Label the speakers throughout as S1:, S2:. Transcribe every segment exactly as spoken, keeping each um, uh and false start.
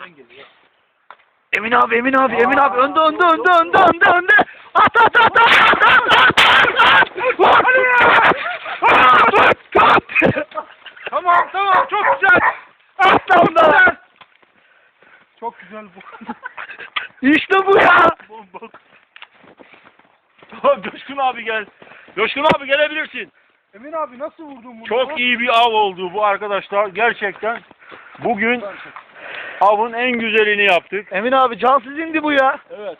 S1: Emin abi, Emin abi, Emin abi, önde, önde, önde, önde, önde, önde. At, at, at, at, at, at, at, at, at. At, at.
S2: Tamam tamam çok güzel.
S1: Aslan da.
S2: Çok güzel bu.
S1: İşte bu ya.
S3: Coşkun abi gel. Coşkun abi gelebilirsin.
S2: Emin abi nasıl vurdun bunu?
S3: Çok iyi bir av oldu bu arkadaşlar. Gerçekten bugün avın en güzelini yaptık.
S1: Emin abi cansız indi bu ya.
S3: Evet.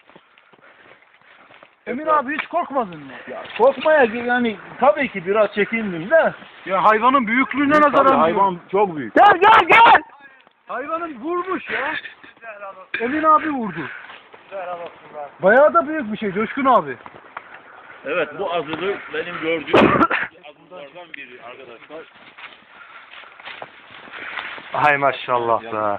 S2: Emin abi hiç korkmadın mı?
S3: Ya korkmaya yani tabii ki biraz çekindim de.
S2: Ya hayvanın büyüklüğüne
S3: Tabii,
S2: nazaran
S3: hayvan çok büyük.
S1: Gel, gel, gel.
S2: Hayvanın vurmuş ya. Emin abi vurdu. Bayağı da büyük bir şey Coşkun abi.
S3: Evet bu azılı benim gördüğüm azılardan biri arkadaşlar.
S1: Hay maşallah be.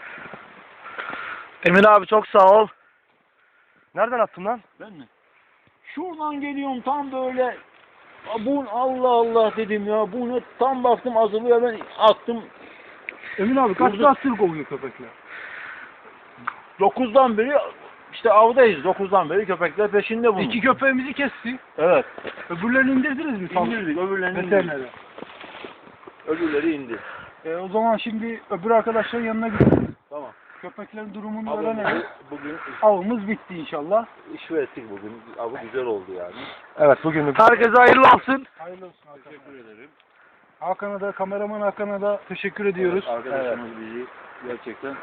S1: Emin abi çok sağ ol. Nereden attın lan?
S3: Ben mi? Şuradan geliyorum tam böyle. "Aa, bu Allah Allah dedim ya. Bu ne? Tam baktım azılıyor ben attım.
S2: Emin abi kaç
S3: Vurdu.
S2: saattir kovuyor köpekler?
S3: Dokuzdan beri işte avdayız. Dokuzdan beri köpekler peşinde bunun.
S2: İki köpeğimizi kesti.
S3: Evet.
S2: Öbürlerini indirdiniz mi?
S3: İndirdik öbürlerini indirdik.
S2: Veterinere.
S3: Öbürleri indi.
S2: E, o zaman şimdi öbür arkadaşların yanına gidelim.
S3: Tamam.
S2: Köpeklerin durumunu
S3: Avımızı
S2: öğrenelim.
S3: bugün
S2: Avımız bitti inşallah.
S3: iş ettik bugün. Avı güzel oldu yani.
S1: Evet bugün. Herkese hayırlı olsun.
S2: Hayırlı olsun Hakan.
S3: Teşekkür ederim.
S2: Hakan'a da kameraman Hakan'a da teşekkür ediyoruz.
S3: Arkadaşımız bizi gerçekten